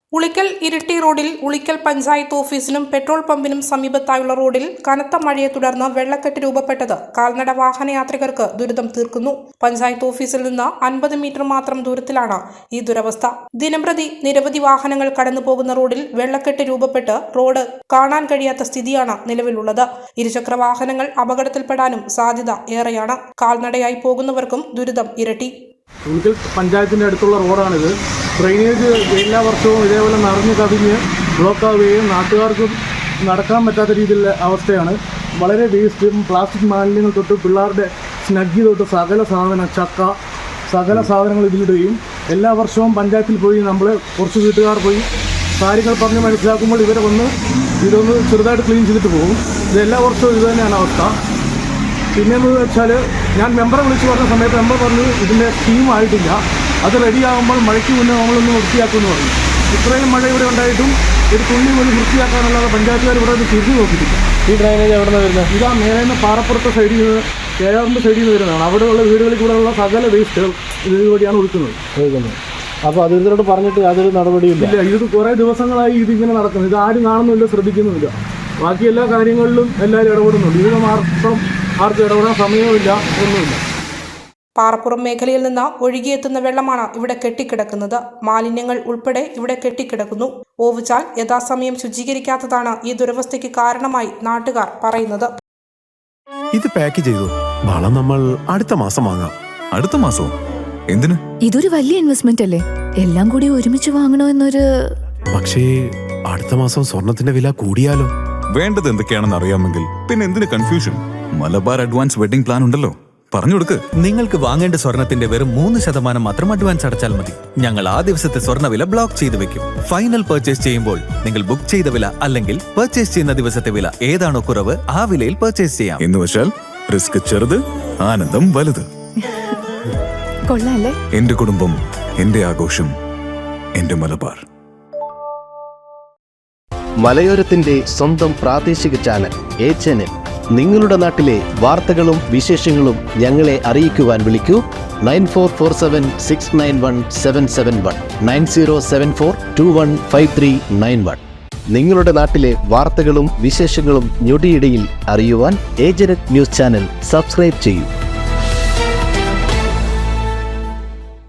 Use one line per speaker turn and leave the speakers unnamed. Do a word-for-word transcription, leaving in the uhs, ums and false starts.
ഉളിക്കൽ ഇരിട്ടി റോഡിൽ ഉളിക്കൽ പഞ്ചായത്ത് ഓഫീസിനും പെട്രോൾ പമ്പിനും സമീപത്തായുള്ള റോഡിൽ കനത്ത മഴയെ തുടർന്ന് വെള്ളക്കെട്ട് രൂപപ്പെട്ടത് കാൽനട വാഹനയാത്രികർക്ക് ദുരിതം തീർക്കുന്നു. പഞ്ചായത്ത് ഓഫീസിൽ നിന്ന് അൻപത് മീറ്റർ മാത്രം ദൂരത്തിലാണ് ഈ ദുരവസ്ഥ. ദിനംപ്രതി നിരവധി വാഹനങ്ങൾ കടന്നു പോകുന്ന റോഡിൽ വെള്ളക്കെട്ട് രൂപപ്പെട്ട് റോഡ് കാണാൻ കഴിയാത്ത സ്ഥിതിയാണ് നിലവിലുള്ളത്. ഇരുചക്ര വാഹനങ്ങൾ അപകടത്തിൽപ്പെടാനും സാധ്യത ഏറെയാണ്. കാൽനടയായി പോകുന്നവർക്കും ദുരിതം ഇരട്ടി.
ഉളിക്കൽ പഞ്ചായത്തിൻ്റെ അടുത്തുള്ള റോഡാണിത്. ഡ്രെയിനേജ് എല്ലാ വർഷവും ഇതേപോലെ നിറഞ്ഞു കവിഞ്ഞ് ബ്ലോക്കാവുകയും നാട്ടുകാർക്കും നടക്കാൻ പറ്റാത്ത രീതിയിലുള്ള അവസ്ഥയാണ്. വളരെ വേസ്റ്റും പ്ലാസ്റ്റിക് മാലിന്യങ്ങൾ തൊട്ട് പിള്ളേരുടെ സ്നഗ്ഗി തൊട്ട് സകല സാധനം ചക്ക സകല സാധനങ്ങൾ ഇതിലിടുകയും എല്ലാ വർഷവും പഞ്ചായത്തിൽ പോയി നമ്മൾ കുറച്ച് വീട്ടുകാർ പോയി കാര്യങ്ങൾ പറഞ്ഞ് മനസ്സിലാക്കുമ്പോൾ ഇവരെ വന്ന് ഇതൊന്ന് ചെറുതായിട്ട് ക്ലീൻ ചെയ്തിട്ട് പോകും. ഇത് എല്ലാ വർഷവും ഇത് തന്നെയാണ് അവസ്ഥ. പിന്നെയെന്ന് വെച്ചാൽ ഞാൻ മെമ്പറെ വിളിച്ച് പറഞ്ഞ സമയത്ത് മെമ്പർ പറഞ്ഞു ഇതിൻ്റെ സ്കീം ആയിട്ടില്ല, അത് റെഡിയാകുമ്പോൾ മഴയ്ക്ക് മുന്നേ നമ്മളൊന്ന് വൃത്തിയാക്കുമെന്ന് പറഞ്ഞു. ഇത്രയും മഴ ഇവിടെ ഉണ്ടായിട്ടും ഒരു തുള്ളി പോലും വൃത്തിയാക്കാനുള്ളത് പഞ്ചായത്തുകാർ ഇവിടെ ഒന്ന് തിരിഞ്ഞു നോക്കിയിട്ടില്ല.
ഈ ഡ്രൈനേജ് എവിടെ നിന്ന് വരുന്നത്?
ഇതാ മേലെ നിന്ന് പാറപ്പുറത്തെ സൈഡിൽ നിന്ന് കേരളത്തിൻ്റെ സൈഡിൽ നിന്ന് വരുന്നതാണ്. അവിടെയുള്ള വീടുകളിൽ കൂടെയുള്ള സകല വേസ്റ്റുകൾ ഇതുവഴിയാണ് ഒഴുക്കുന്നത്
ഒഴുക്കുന്നത് അപ്പോൾ അധികൃതരോട് പറഞ്ഞിട്ട് യാതൊരു നടപടിയില്ല.
ഇല്ല, ഇത് കുറേ ദിവസങ്ങളായി ഇതിങ്ങനെ നടക്കുന്നത്. ഇത് ആരും കാണുന്നില്ല, ശ്രദ്ധിക്കുന്നുമില്ല. ബാക്കി എല്ലാ കാര്യങ്ങളിലും എല്ലാവരും ഇടപെടുന്നുണ്ട്. ഇതിന് മാത്രം ആർക്കും ഇടപെടാൻ സമയമില്ല, ഒന്നുമില്ല.
പാറപ്പുറം മേഖലയിൽ നിന്ന് ഒഴുകിയെത്തുന്ന വെള്ളമാണ് ഇവിടെ കെട്ടിക്കിടക്കുന്നത്. മാലിന്യങ്ങൾ ഉൾപ്പെടെ ഇവിടെ കെട്ടിക്കിടക്കുന്നു. ഓവുചാൽ യഥാസമയം ശുചീകരിക്കാത്തതാണ് ഈ ദുരവസ്ഥയ്ക്ക് കാരണമായി നാട്ടുകാർ പറയുന്നത്.
ഇത് പാക്ക് ചെയ്തു. വളം നമ്മൾ അടുത്ത മാസം വാങ്ങാം.
അടുത്ത മാസവും എന്തിന്?
ഇതൊരു വലിയ ഇൻവെസ്റ്റ്മെന്റ് അല്ലേ? എല്ലാം കൂടി ഒരുമിച്ച് വാങ്ങണോ എന്നൊരു.
പക്ഷേ അടുത്ത മാസം സ്വർണത്തിന്റെ വില കൂടിയാലോ?
വേണ്ടത് എന്തൊക്കെയാണെന്ന് അറിയാമെങ്കിൽ പിന്നെ എന്തിന് confusion? Malabar advance wedding plan ഉണ്ടല്ലോ, പറഞ്ഞു കൊടുക്ക്.
നിങ്ങൾക്ക് വാങ്ങേണ്ട സ്വർണത്തിന്റെ വെറും മൂന്ന് ശതമാനം മാത്രം അഡ്വാൻസ് അടച്ചാൽ മതി. ഞങ്ങൾ ആ ദിവസത്തെ സ്വർണ്ണവില ബ്ലോക്ക് ചെയ്ത് വെക്കും. ഫൈനൽ പർച്ചേസ് ചെയ്യുമ്പോൾ നിങ്ങൾ ബുക്ക് ചെയ്ത വില അല്ലെങ്കിൽ പർച്ചേസ് ചെയ്യുന്ന ദിവസത്തെ വില ഏതാണോ കുറവ് ആ വിലയിൽ പർച്ചേസ് ചെയ്യാം.
എന്ന് വെച്ചാൽ റിസ്ക് ചെറുത്, ആനന്ദം വലുത്.
കൊള്ളാല്ലേ?
എന്റെ കുടുംബം, എന്റെ ആഘോഷം, എന്റെ മലബാർ.
മലയോരത്തിന്റെ സ്വന്തം പ്രാദേശിക ചാനൽ എ ചാനൽ. നിങ്ങളുടെ നാട്ടിലെ വാർത്തകളും വിശേഷങ്ങളും ഞങ്ങളെ അറിയിക്കുവാൻ വിളിക്കൂ nine four four seven six nine one seven seven one nine zero seven four two one five three nine one. നിങ്ങളുടെ നാട്ടിലെ വാർത്തകളും വിശേഷങ്ങളും ഞൊടിയിടയിൽ അറിയുവാൻ ഏജനറ്റ് ന്യൂസ് ചാനൽ സബ്സ്ക്രൈബ് ചെയ്യൂ.